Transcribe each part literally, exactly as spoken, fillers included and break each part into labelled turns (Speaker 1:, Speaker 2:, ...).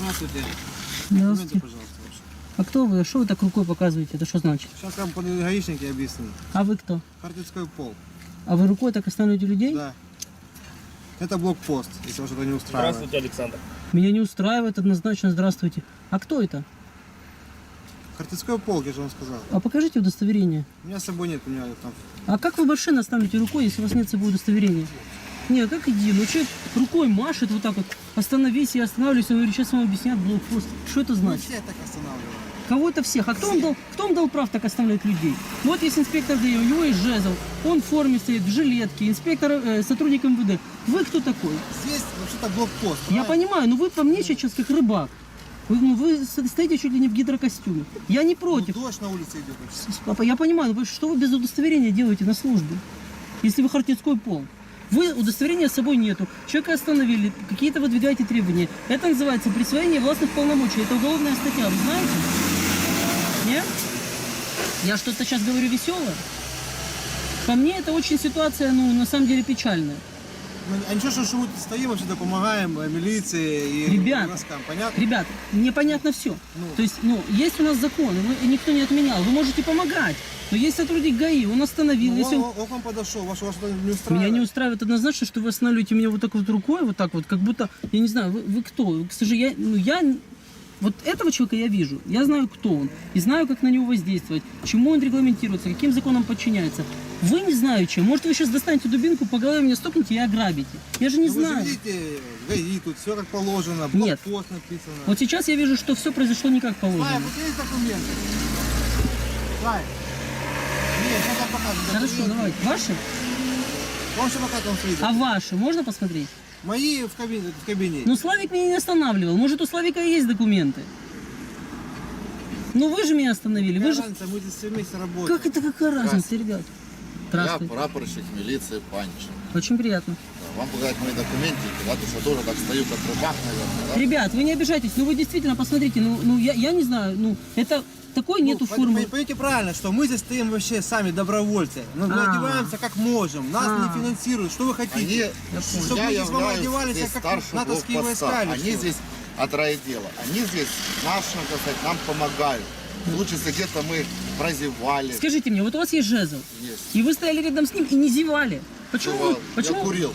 Speaker 1: Здравствуйте.
Speaker 2: Здравствуйте.
Speaker 1: Документы, пожалуйста, ваши.
Speaker 2: А кто вы? Что вы так рукой показываете? Это что значит?
Speaker 1: Сейчас вам подойдут гаишники и объясню.
Speaker 2: А вы кто?
Speaker 1: Хартицкий пол.
Speaker 2: А вы рукой так останавливаете людей?
Speaker 1: Да. Это блокпост, если вас что-то не устраивает.
Speaker 3: Здравствуйте, Александр.
Speaker 2: Меня не устраивает однозначно. Здравствуйте. А кто это?
Speaker 1: Хартицкий пол, я же вам сказал.
Speaker 2: А покажите удостоверение.
Speaker 1: У меня с собой нет, у меня там...
Speaker 2: А как вы машину оставите рукой, если у вас нет с собой удостоверения? Не, как иди? Ну человек рукой машет вот так вот. Остановись, я останавливаюсь. Он говорит, сейчас вам объяснят блокпост. Что это
Speaker 1: Мы
Speaker 2: значит?
Speaker 1: все так останавливаем.
Speaker 2: Кого-то всех. А кто вам дал, кто вам дал прав так оставлять людей? Вот есть инспектор ДАИ, у него есть жезл. Он в форме стоит, в жилетке. Инспектор, э, сотрудник МВД. Вы кто такой?
Speaker 1: Здесь вообще-то блокпост.
Speaker 2: Я
Speaker 1: правильно?
Speaker 2: понимаю, но вы по мне сейчас как рыбак. Вы, ну, вы стоите чуть ли не в гидрокостюме. Я не против.
Speaker 1: Ну, дождь на улице идет. вообще.
Speaker 2: Папа, я понимаю, но вы, что вы без удостоверения делаете на службе? Если вы хартицкий пол. Вы удостоверения с собой нету. Человека остановили, какие-то выдвигаете требования. Это называется присвоение властных полномочий. Это уголовная статья, вы знаете? Нет? Я что-то сейчас говорю веселое? По мне это очень ситуация, ну, на самом деле печальная.
Speaker 1: Ну, а ничего, что, что мы тут стоим, вообще-то помогаем э, милиции и
Speaker 2: Ребята,
Speaker 1: властям, понятно?
Speaker 2: Ребят, мне понятно все.
Speaker 1: Ну.
Speaker 2: То есть, ну, есть у нас закон, его никто не отменял. Вы можете помогать. Но есть сотрудник ГАИ, он остановил.
Speaker 1: Ну,
Speaker 2: если он...
Speaker 1: он, он к вам подошел, ваш, ваш что-то не устраивает.
Speaker 2: Меня не устраивает однозначно, что вы останавливаете меня вот так вот рукой, вот так вот, как будто, я не знаю, вы, вы кто? К сожалению, я, ну, я, вот этого человека я вижу, я знаю, кто он, и знаю, как на него воздействовать, чему он регламентируется, каким законам подчиняется. Вы не знаю чем. Может, вы сейчас достанете дубинку, по голове меня стукнете и ограбите. Я же не
Speaker 1: Ну,
Speaker 2: знаю.
Speaker 1: Вы же видите, ГАИ, тут все как положено,
Speaker 2: Нет.
Speaker 1: блокпост написано.
Speaker 2: Вот сейчас я вижу, что все произошло не как положено.
Speaker 1: Слайк, вот есть документы? Слайк. Нет, сейчас я покажу.
Speaker 2: Хорошо,
Speaker 1: Документы.
Speaker 2: давайте. Ваши?
Speaker 1: Он что пока там стоит?
Speaker 2: А ваши можно посмотреть?
Speaker 1: Мои в кабинете. В кабинете.
Speaker 2: Ну, Славик меня не останавливал. Может, у Славика и есть документы. Ну, вы же меня остановили. Вы же...
Speaker 1: Разница, мы здесь все вместе работаем.
Speaker 2: Как это, какая разница, ребят?
Speaker 4: Я
Speaker 2: Здравствуйте.
Speaker 4: прапорщик милиции Панчин.
Speaker 2: Очень приятно.
Speaker 4: Да, вам показать мои документики, да, то что тоже так стою, как рыбак, наверное, да?
Speaker 2: Ребят, вы не обижайтесь, ну вы действительно посмотрите, ну, ну я, я не знаю, ну это такой нету
Speaker 1: Ну,
Speaker 2: формы.
Speaker 1: Поймите правильно, что мы здесь стоим вообще сами добровольцы. Ну, мы
Speaker 2: А.
Speaker 1: одеваемся как можем. Нас
Speaker 2: А.
Speaker 1: не финансируют. Что вы
Speaker 4: Они,
Speaker 1: хотите? Чтобы
Speaker 4: я
Speaker 1: мы здесь вам
Speaker 4: являюсь
Speaker 1: одевались,
Speaker 4: здесь
Speaker 1: как
Speaker 4: старшим
Speaker 1: натовские
Speaker 4: блокпоста.
Speaker 1: войска или
Speaker 4: Они
Speaker 1: что?
Speaker 4: здесь от райотдела. Они здесь нашим, так сказать, нам помогают. В случае, если где-то мы прозевали.
Speaker 2: Скажите мне, вот у вас есть жезл,
Speaker 4: Есть.
Speaker 2: и вы стояли рядом с ним и не зевали. Почему?
Speaker 4: Бывало.
Speaker 2: вы- Почему?
Speaker 4: Я курил.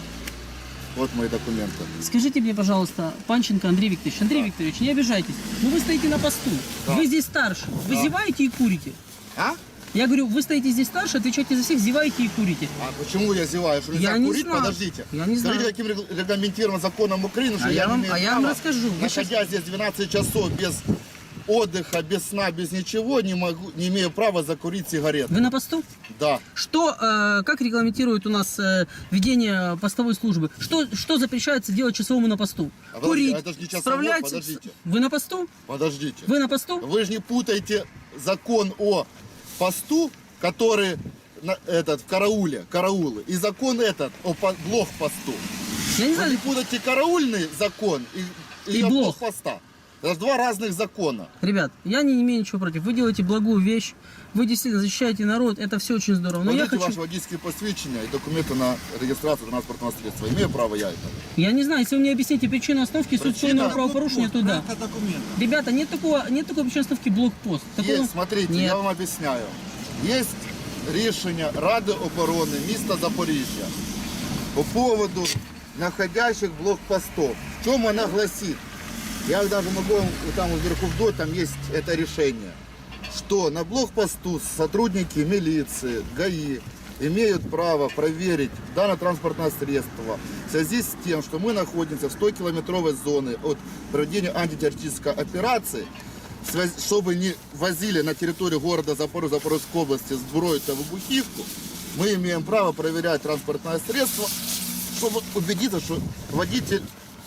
Speaker 4: Вот мои документы.
Speaker 2: Скажите мне, пожалуйста, Панченко Андрей Викторович, Андрей
Speaker 4: Да.
Speaker 2: Викторович, не обижайтесь, ну вы стоите на посту,
Speaker 4: Да.
Speaker 2: вы здесь старше, вы
Speaker 4: Да.
Speaker 2: зеваете и курите.
Speaker 4: А?
Speaker 2: Я говорю, вы стоите здесь старше, отвечаете за всех, зеваете и курите.
Speaker 4: А почему я зеваю? Что нельзя
Speaker 2: Я не
Speaker 4: курить?
Speaker 2: знаю.
Speaker 4: Подождите.
Speaker 2: Я не знаю.
Speaker 4: Скажите, каким регл- регламентирован законом Украины, что
Speaker 2: А
Speaker 4: я,
Speaker 2: я
Speaker 4: не
Speaker 2: вам-
Speaker 4: имею
Speaker 2: а я
Speaker 4: права,
Speaker 2: вам расскажу. Вы
Speaker 4: находясь здесь двенадцать часов без отдыха, без сна, без ничего, не могу, не имею права закурить сигарету.
Speaker 2: Вы на посту?
Speaker 4: Да.
Speaker 2: Что, э, как регламентирует у нас э, ведение постовой службы? Что, что запрещается делать часовому на посту?
Speaker 4: А подожди,
Speaker 2: Курить,
Speaker 4: а это ж не часовой,
Speaker 2: справляться.
Speaker 4: подождите.
Speaker 2: Вы на посту?
Speaker 4: Подождите.
Speaker 2: Вы на посту?
Speaker 4: Вы же не путаете закон о посту, который на- этот в карауле, караулы, и закон этот о по- блокпосту.
Speaker 2: Я не
Speaker 4: Вы
Speaker 2: знаю.
Speaker 4: не путаете караульный закон и,
Speaker 2: И
Speaker 4: о
Speaker 2: блок.
Speaker 4: блокпоста. Это же два разных закона.
Speaker 2: Ребят, я не имею ничего против. Вы делаете благую вещь. Вы действительно защищаете народ. Это все очень здорово. Но я
Speaker 4: Покажите
Speaker 2: хочу...
Speaker 4: ваши водительские посвящения и документы на регистрацию транспортного средства. Имею право я это?
Speaker 2: Я не знаю, если вы мне объясните причину остановки
Speaker 4: Причина-
Speaker 2: субсидийного правопорушения, то да.
Speaker 1: Это документ.
Speaker 2: Ребята, нет такого, нет такой причины остановки блокпост. Такого...
Speaker 4: Есть, смотрите,
Speaker 2: Нет.
Speaker 4: я вам объясняю. Есть рішення Ради оборони міста Запоріжжя по поводу находящих блокпостов. В чем она гласит? Я даже могу вам там вверху вдоль, там есть это решение, что на блокпосту сотрудники милиции, ГАИ имеют право проверить данное транспортное средство в связи с тем, что мы находимся в стокилометровой зоне от проведения антитеррористической операции, связ- чтобы не возили на территорию города Запорожья, Запорожской области сброю-то выбухивку, мы имеем право проверять транспортное средство, чтобы убедиться, что водитель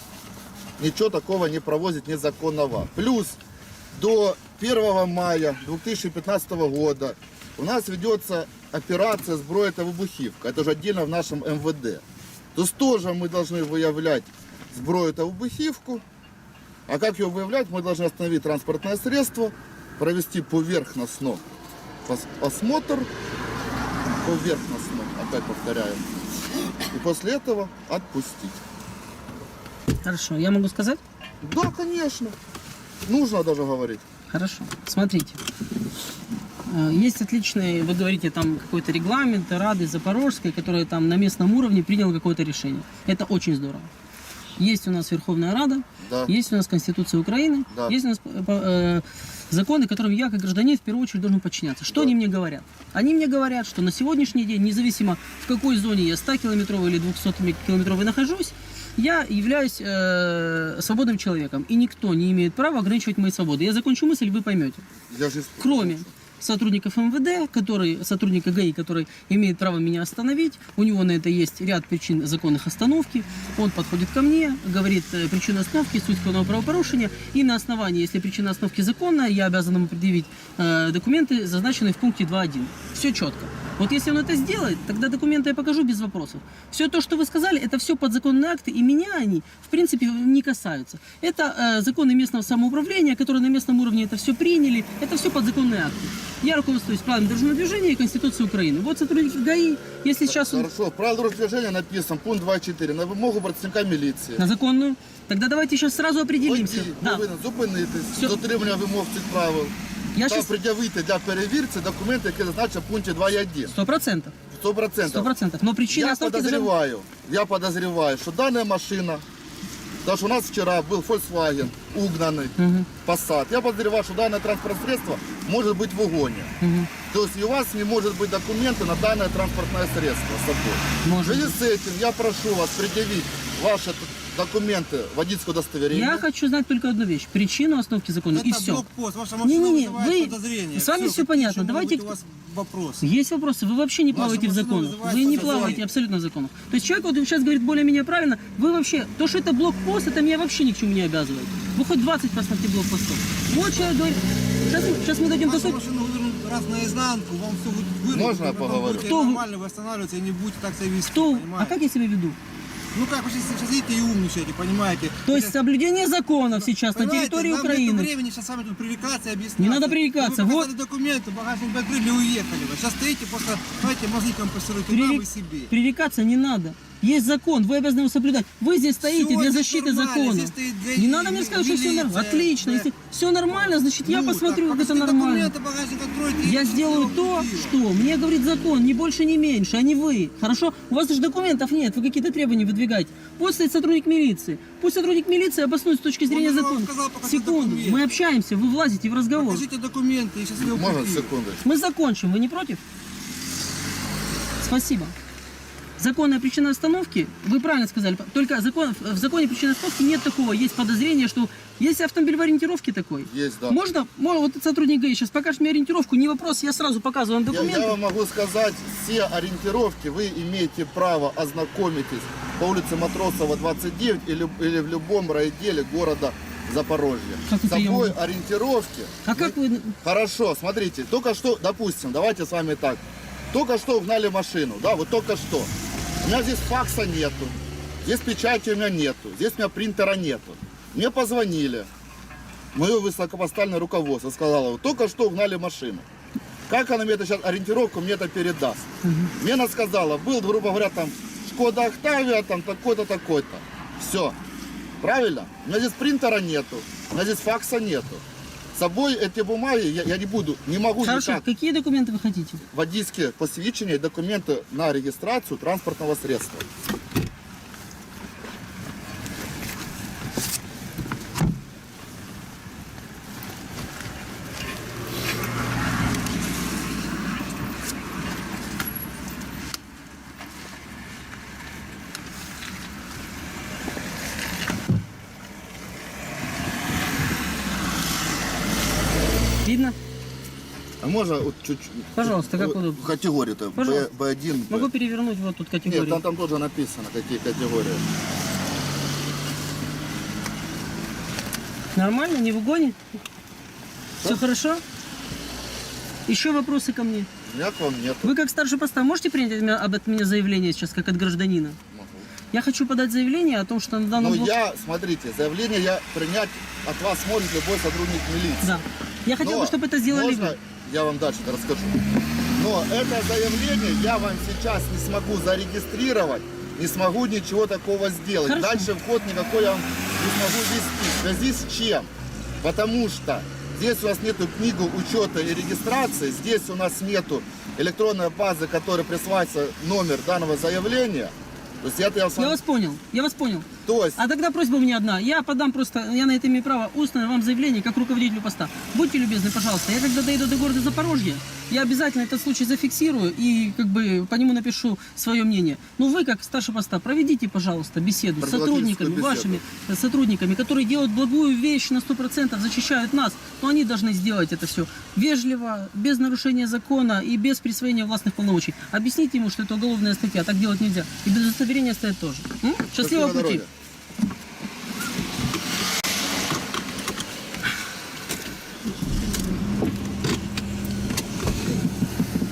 Speaker 4: ничего такого не провозит незаконного. Плюс до первого мая две тысячи пятнадцатого года у нас ведется операция «Сброя это выбухивка». Это же отдельно в нашем эм вэ дэ. То есть тоже мы должны выявлять сброю это выбухивку. А как ее выявлять? Мы должны остановить транспортное средство, провести поверхностно ос- осмотр, поверхностно, опять повторяю, и после этого отпустить.
Speaker 2: Хорошо, я могу сказать?
Speaker 4: Да, конечно. нужно даже говорить.
Speaker 2: Хорошо. Смотрите. Э, Есть отличный, вы говорите, там какой-то регламент Рады Запорожской, который там на местном уровне принял какое-то решение. Это очень здорово. Есть у нас Верховная Рада,
Speaker 4: Да.
Speaker 2: есть у нас Конституция Украины,
Speaker 4: Да.
Speaker 2: есть у нас э, э, законы, которым я, как гражданин, в первую очередь должен подчиняться. Что
Speaker 4: Да.
Speaker 2: они мне говорят? Они мне говорят, что на сегодняшний день, независимо в какой зоне я ста-километровой или двухсот-километровой нахожусь, я являюсь э, свободным человеком, и никто не имеет права ограничивать мои свободы. Я закончу мысль, вы поймете.
Speaker 4: Я же...
Speaker 2: Кроме сотрудников МВД, который, сотрудника ГАИ, который имеет право меня остановить, у него на это есть ряд причин законных остановки, он подходит ко мне, говорит э, причину остановки, суть уголовного правопорушения, и на основании, если причина остановки законная, я обязан ему предъявить э, документы, зазначенные в пункте два один. Все четко. Вот если он это сделает, тогда документы я покажу без вопросов. Все то, что вы сказали, это все подзаконные акты, и меня они, в принципе, не касаются. Это э, законы местного самоуправления, которые на местном уровне это все приняли, это все подзаконные акты. Я руководствуюсь правилами дорожного движения и Конституцией Украины. Вот сотрудники ГАИ, если сейчас он
Speaker 4: Хорошо, в правилах дорожного движения написано, пункт два точка чотири, на вимогу працівника міліції.
Speaker 2: на законную, тогда давайте сейчас сразу определимся.
Speaker 4: Водій
Speaker 2: Да.
Speaker 4: повинен зупинитись,
Speaker 2: Всё.
Speaker 4: дотримання вимог цих правил.
Speaker 2: Я
Speaker 4: Та
Speaker 2: сейчас
Speaker 4: пред'явити для перевірці документи, які зазначені в пункті два точка один.
Speaker 2: сто процентов.
Speaker 4: Сто процентов.
Speaker 2: Сто процентов. Но причина
Speaker 4: Я
Speaker 2: остановки даже...
Speaker 4: подозреваю, я подозреваю, что данная машина, даже у нас вчера был Volkswagen угнанный,
Speaker 2: Мгм.
Speaker 4: Passat. Я подозреваю, что данное транспортное средство может быть в угоне.
Speaker 2: Мгм.
Speaker 4: То есть и у вас не может быть документы на данное транспортное средство с собой. В
Speaker 2: Может
Speaker 4: связи
Speaker 2: быть.
Speaker 4: с этим я прошу вас предъявить ваши т- документы, водительское удостоверение.
Speaker 2: Я хочу знать только одну вещь. Причину остановки закона, и
Speaker 3: Это
Speaker 2: все.
Speaker 3: блокпост, ваша машина
Speaker 2: Не-не-не,
Speaker 3: вызывает
Speaker 2: вы-
Speaker 3: подозрения.
Speaker 2: с вами
Speaker 3: Всё,
Speaker 2: всё
Speaker 3: какие
Speaker 2: понятно.
Speaker 3: еще могут
Speaker 2: Давайте
Speaker 3: быть
Speaker 2: к-
Speaker 3: у вас вопросы.
Speaker 2: Есть вопросы. Вы вообще не
Speaker 3: Ваша
Speaker 2: плаваете в
Speaker 3: машина
Speaker 2: законах.
Speaker 3: вызывает
Speaker 2: Вы не
Speaker 3: подозрения.
Speaker 2: плаваете абсолютно в законах. То есть человек вот сейчас говорит более-менее правильно. Вы вообще, то, что это блокпост, это меня вообще ни к чему не обязывает. Вы хоть двадцать посмотрите блокпостов. Вот человек говорит, сейчас, мы- сейчас мы дойдем до
Speaker 3: Вашу
Speaker 2: сути.
Speaker 3: машину вывернут раз наизнанку, вам все будет вырвано.
Speaker 4: Можно я поговорю?
Speaker 2: Кто вы?
Speaker 3: Нормально, вы останавливаетесь и не будете так себя вести,
Speaker 2: Кто?
Speaker 3: понимаете?
Speaker 2: А как я себя веду?
Speaker 3: Ну как вы сейчас, сейчас едете и умничаете, понимаете?
Speaker 2: То есть соблюдение законов сейчас на
Speaker 3: Понимаете,
Speaker 2: территории
Speaker 3: нам
Speaker 2: Украины.
Speaker 3: нет времени сейчас с вами тут пререкаться и объяснять.
Speaker 2: Не надо пререкаться,
Speaker 3: Вы
Speaker 2: вот.
Speaker 3: показали документы, багажник открыли и уехали. Вы сейчас стоите, просто, знаете, мозги компрессируете
Speaker 2: Пререк-
Speaker 3: нам и себе.
Speaker 2: Пререкаться не надо. Есть закон, вы обязаны его соблюдать. Вы здесь стоите
Speaker 3: Всё
Speaker 2: для
Speaker 3: здесь
Speaker 2: защиты
Speaker 3: нормально,
Speaker 2: закона.
Speaker 3: здесь стоит для-
Speaker 2: Не надо мне сказать, что все нормально.
Speaker 3: милиция,
Speaker 2: Отлично.
Speaker 3: да.
Speaker 2: Если все нормально, значит я
Speaker 3: Ну,
Speaker 2: посмотрю,
Speaker 3: так,
Speaker 2: как это
Speaker 3: покажите
Speaker 2: нормально.
Speaker 3: документы, багажник откройте,
Speaker 2: Я
Speaker 3: и
Speaker 2: сделаю
Speaker 3: всё,
Speaker 2: то,
Speaker 3: купила.
Speaker 2: что мне говорит закон, ни больше, ни меньше, а не вы. Хорошо? У вас даже документов нет, вы какие-то требования выдвигаете. Пусть стоит сотрудник милиции. Пусть сотрудник милиции обоснует с точки зрения
Speaker 3: Он же вам
Speaker 2: закона.
Speaker 3: сказал, покажите
Speaker 2: Секунду,
Speaker 3: документы.
Speaker 2: мы общаемся, вы влазите в разговор.
Speaker 3: Покажите документы, и сейчас я
Speaker 4: Можно
Speaker 3: купил.
Speaker 4: секунду?
Speaker 2: Мы закончим, вы не против? Спасибо. Законная причина остановки, вы правильно сказали, только закон, в законе причины остановки нет такого, есть подозрение, что есть автомобиль в ориентировке такой.
Speaker 4: Есть, да.
Speaker 2: Можно, можно, вот этот сотрудник ГАИ сейчас покажет мне ориентировку, не вопрос, я сразу показываю вам
Speaker 4: Я,
Speaker 2: документы.
Speaker 4: я вам могу сказать, все ориентировки вы имеете право ознакомитесь по улице Матросова, двадцать девять или, или в любом райотделе города Запорожья.
Speaker 2: Как
Speaker 4: С
Speaker 2: это я
Speaker 4: собой
Speaker 2: могу?
Speaker 4: ориентировки.
Speaker 2: А как вы...
Speaker 4: Хорошо, смотрите, только что, допустим, давайте с вами так. Только что угнали машину, да, вот только что. У меня здесь факса нету, здесь печати у меня нету, здесь у меня принтера нету. Мне позвонили, мое высокопоставленное руководство сказало, вот только что угнали машину. Как она мне это сейчас, ориентировку мне это передаст? Мне она сказала, был, грубо говоря, там, Шкода Октавия, там, такой-то, такой-то. Все. Правильно? У меня здесь принтера нету, у меня здесь факса нету. С собой эти бумаги я, я не буду, не могу
Speaker 2: Хорошо,
Speaker 4: никак.
Speaker 2: какие документы вы хотите?
Speaker 4: Водительские посвящения и документы на регистрацию транспортного средства.
Speaker 2: Видно?
Speaker 4: А можно вот чуть-чуть?
Speaker 2: Пожалуйста, как
Speaker 4: Вот
Speaker 2: удобно.
Speaker 4: Категории-то
Speaker 2: Пожалуйста.
Speaker 4: бэ один. бэ-
Speaker 2: Могу перевернуть вот тут категорию.
Speaker 4: Нет, там, там тоже написано, какие категории.
Speaker 2: Нормально, не в угоне? Все хорошо? Еще вопросы ко мне?
Speaker 4: У меня к вам нет.
Speaker 2: Вы как старший поста можете принять от меня, об от меня заявление сейчас, как от гражданина?
Speaker 4: Могу.
Speaker 2: Я хочу подать заявление о том, что на данном
Speaker 4: Ну
Speaker 2: блок-
Speaker 4: я, смотрите, заявление я принять от вас может любой сотрудник милиции.
Speaker 2: Да. Я хотел
Speaker 4: Но
Speaker 2: бы, чтобы это сделали
Speaker 4: можно,
Speaker 2: вы.
Speaker 4: я вам дальше расскажу. Но это заявление я вам сейчас не смогу зарегистрировать, не смогу ничего такого сделать.
Speaker 2: Хорошо.
Speaker 4: Дальше вход никакой я вам не смогу вести. В связи с чем? Потому что здесь у нас нету книгу учета и регистрации, здесь у нас нету электронной базы, которой присваивается номер данного заявления. То есть это я,
Speaker 2: Я вас понял, я вас понял.
Speaker 4: То есть
Speaker 2: А тогда просьба у меня одна. Я подам просто, я на это имею право, устное вам заявление как руководителю поста. Будьте любезны, пожалуйста. Я когда доеду до города Запорожье, я обязательно этот случай зафиксирую и как бы по нему напишу свое мнение. Но вы, как старший поста, проведите, пожалуйста, беседу с сотрудниками,
Speaker 4: беседу.
Speaker 2: вашими сотрудниками, которые делают благую вещь на сто процентов, защищают нас. Но они должны сделать это все вежливо, без нарушения закона и без присвоения властных полномочий. Объясните ему, что это уголовная статья, так делать нельзя. И без удостоверения стоять тоже. М? Счастливого
Speaker 4: Счастливого
Speaker 2: пути.
Speaker 4: дороги.